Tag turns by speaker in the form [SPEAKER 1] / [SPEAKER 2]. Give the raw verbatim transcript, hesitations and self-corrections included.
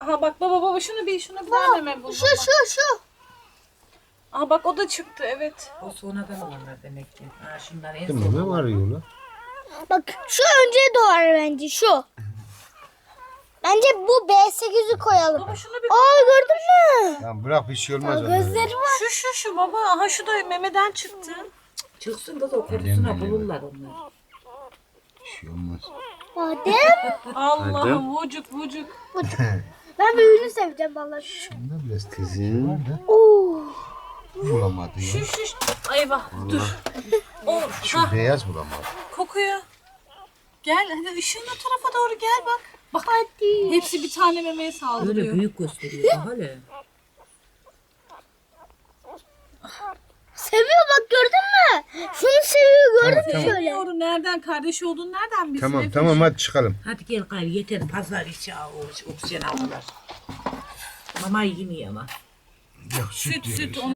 [SPEAKER 1] Aha bak baba baba şunu bir şunu bir daha meme bul.
[SPEAKER 2] Şu şu şu.
[SPEAKER 1] Aha bak o da çıktı evet.
[SPEAKER 3] O sonradan olanlar demek ki. Ha şunlar en
[SPEAKER 4] Değil mi?
[SPEAKER 3] son
[SPEAKER 4] Ne var
[SPEAKER 3] olanlar.
[SPEAKER 4] yola?
[SPEAKER 2] Bak şu önce doğar bence şu. Bence bu B sekiz'i koyalım.
[SPEAKER 1] Baba şunu bir
[SPEAKER 2] Aa gördün mü?
[SPEAKER 4] Ya bırak bir şey olmaz.
[SPEAKER 2] Aa,
[SPEAKER 4] onlara.
[SPEAKER 2] gözleri var.
[SPEAKER 1] şu şu şu baba aha şu da memeden çıktı.
[SPEAKER 3] Çıksın kız o kutusuna
[SPEAKER 4] Yeme, yeme.
[SPEAKER 3] bulurlar onlar.
[SPEAKER 4] Bir şey olmaz.
[SPEAKER 2] Adem.
[SPEAKER 1] Allah'ım vucuk vucuk.
[SPEAKER 2] Ben büyüğünü seveceğim vallahi.
[SPEAKER 4] Şunda biraz tezgah var da
[SPEAKER 2] Oo.
[SPEAKER 4] bulamadı ya.
[SPEAKER 1] Şu şu şu. Ay bak dur. O
[SPEAKER 4] Şu
[SPEAKER 1] ha
[SPEAKER 4] beyaz bulamadı.
[SPEAKER 1] kokuyor. Gel hadi ışığın o tarafa doğru gel bak. Bak
[SPEAKER 2] Hadi.
[SPEAKER 1] hepsi bir tane memeye
[SPEAKER 3] Öyle
[SPEAKER 1] saldırıyor.
[SPEAKER 3] büyük gösteriyor. Bak hele.
[SPEAKER 2] Seviyor bak gördün mü? Şunu seviyor gördün mü
[SPEAKER 4] Tamam,
[SPEAKER 2] şöyle?
[SPEAKER 1] Bilmiyorum nereden kardeşi olduğunu nereden bilsin?
[SPEAKER 4] Tamam
[SPEAKER 1] Efe?
[SPEAKER 4] tamam hadi çıkalım.
[SPEAKER 3] Hadi gel gayrı yeter. Pazar içi al, o- oksijen aldılar. Mama yemiyor ama.
[SPEAKER 4] Yok
[SPEAKER 1] Süt süt.